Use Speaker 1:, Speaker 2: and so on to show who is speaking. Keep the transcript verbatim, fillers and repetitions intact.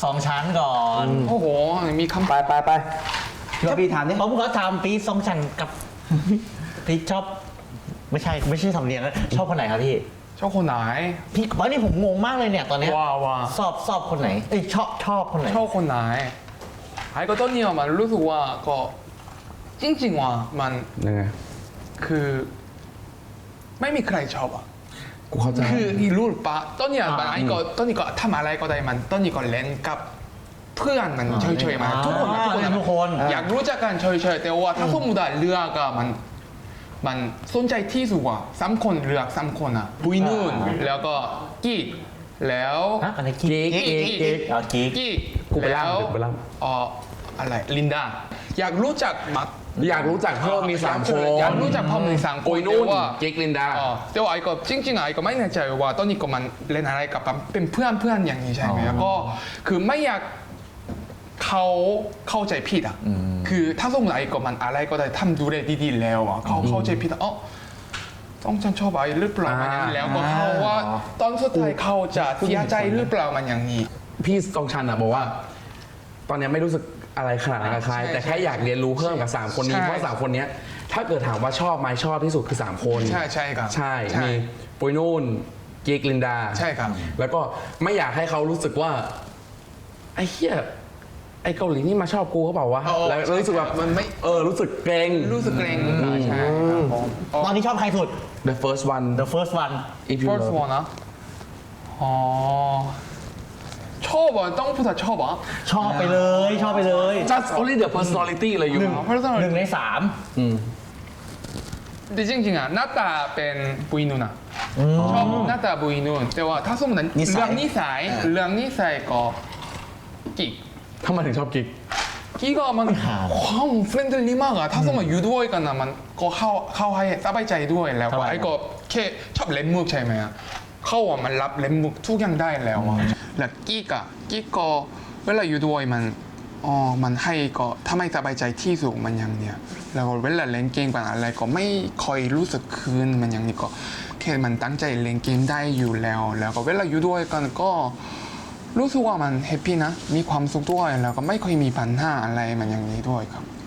Speaker 1: สองชั้นก่อน
Speaker 2: โอ้โหมีคำ
Speaker 3: ไปไปไปพี่ว่าพี่ถามดิ
Speaker 1: ผมก็ทำปีสองชั้นกับ พี่ชอบไม่ใช่ไม่ใช่สำเนียงนะชอบคนไหนครับพี่
Speaker 2: ชอบคนไหน
Speaker 1: พี่ตอนนี้ผมงงมากเลยเนี่ยตอนเนี้ย
Speaker 2: ว้าวว้าว
Speaker 1: สอบสอบคนไหนเอ้ยชอบชอบคนไหน
Speaker 2: ชอบคนไหนไอ้ก็ตอนนี้มันรู้สึกว่าก็จริงๆว่ามัน
Speaker 3: ยังไง
Speaker 2: คือไม่มีใครชอบอ่ะ
Speaker 3: กูเข้าใจ
Speaker 2: คือนี่รู้ปะตอนนี้มันไอ้ก็ตอนนี้ก็ทำอะไรก็ได้มันตอนนี้ก็เล่นกับเพื่อนมันเฉยๆมาทุกคนทุกคน
Speaker 1: ทุกคน
Speaker 2: อยากรู้จักกันเฉยๆแต่ว่าถ้าสมมติว่าเลือกอะมันมันสนใจที่สุดว่าสามคนเลือกสามคนอะปุยนุ่นแล้วก็กิ๊กแล้ว
Speaker 1: ฮะอะไรกิ๊ก
Speaker 2: กิ๊กกิ๊ก
Speaker 1: กิ๊กอ๋อกิ๊ก
Speaker 2: กิ๊ก
Speaker 3: กูไปล่ำ
Speaker 2: แล้ว
Speaker 3: กูไปล่
Speaker 2: อ๋ออะไรลินดาอยากรู้จักมัก
Speaker 3: อยากรู้จักเพิ่มมีสามคน
Speaker 2: อยากรู้จักพ่อมีสามคน
Speaker 3: ปุยนุ่น
Speaker 2: แต่ว่า
Speaker 3: กิ๊กลินดา
Speaker 2: อ๋อแต่ว่าไอ้ก็จริงๆไอ้ก็ไม่แน่ใจว่าตอนนี้ก็มันเล่นอะไรกับเป็นเพื่อนเพื่อนอย่างนี้ใช่ไหมแล้วก็คือไม่อยากเขาเข้าใจผิดอ่ะคือถ้าสมมติไอ้ก็มันอะไรก็ได้ทำดูได้ดีๆแล้วอ่ะเขาเข้าใจผิดอ่ะอ๋อต้องฉันชอบไอ้หรือเปล่ามันอย่างนี้แล้วก็เขาว่าตอนสุดท้ายเขาจะเสียใจหรือเปล่ามันอย่างนี้
Speaker 3: พี่ตองชันอ่ะบอกว่า ตอนเนี้ยไม่รู้สึกอะไรขนาดนั้นกับใคร
Speaker 2: ใช่
Speaker 3: แต่แค่อยากเรียนรู้เพิ่มกับสามคนนี้
Speaker 2: ใช่
Speaker 3: เพราะสามคนเนี้ยถ้าเกิดถามว่าชอบไหมชอบที่สุดคือสามคน
Speaker 2: ใช่ใช่ครับ
Speaker 3: ใช่
Speaker 2: ใช่
Speaker 3: มีปุยนุ่นกิ๊กลินดา
Speaker 2: ใช่ครับ
Speaker 3: แล้วก็ไม่อยากให้เขารู้สึกว่าไอ้เหี้ยไอ้เกาหลีนี่มาชอบกูเขาเปล่าวะ
Speaker 2: เออ
Speaker 3: แล้วรู้สึกแบบ
Speaker 2: มันไม่
Speaker 3: เออรู้สึกเกรง
Speaker 2: รู้สึกเกรงใช่ครับผม
Speaker 1: ตอนนี้ชอบใครสุด
Speaker 3: the first one
Speaker 1: The first one
Speaker 3: if you
Speaker 2: first
Speaker 3: love
Speaker 2: one นะอ๋อชอบอ่ะต้องพูดถึงชอบอ่ะ
Speaker 1: ชอบไปเลยชอบไปเลย
Speaker 3: just only the personality เลยอยู่
Speaker 1: หนึ่ง
Speaker 2: เพราะฉะนั้น
Speaker 1: หนึ่งในสาม
Speaker 3: อืม
Speaker 2: แต่จริงๆอ่ะหน้าตาเป็นบุยนุ่นอ่ะชอบหน้าตาบุยนุ่นแต่ว่าถ้าสมมติ
Speaker 3: นิสัย
Speaker 2: เรื่องนิสัยเรื่องนิสัยก็กิ๊ก
Speaker 3: ทำไมถึงชอบกิ๊ก
Speaker 2: กิ๊กก็มันความเฟรนด์ลี่มากอ่ะถ้าสมมติอยู่ด้วยกันอ่ะมันก็เข้าเข้าให้สบายใจด้วยแล้วก็ไอ้ก็แค่ชอบเล่นมุกใช่ไหมอ่ะเขาอ่ะมันรับเล่นมุกทุกอย่างได้แล้วอ่ะแล้วกิ๊กอ่ะกิ๊กก็เวลาอยู่ด้วยมันอ๋อมันให้ก็ถ้าไม่สบายใจที่สุดมันอย่างเนี้ยแล้วเวลาเล่นเกมกันอะไรก็ไม่ค่อยรู้สึกคืนมันอย่างนี้ก็แค่มันตั้งใจเล่นเกมได้อยู่แล้ว แล้วก็เวลาอยู่ด้วยกันก็รู้สึกว่ามันแฮปปี้นะมีความสุขด้วยแล้วก็ไม่ค่อยมีปัญหาอะไรมันอย่างนี้ด้วยครับ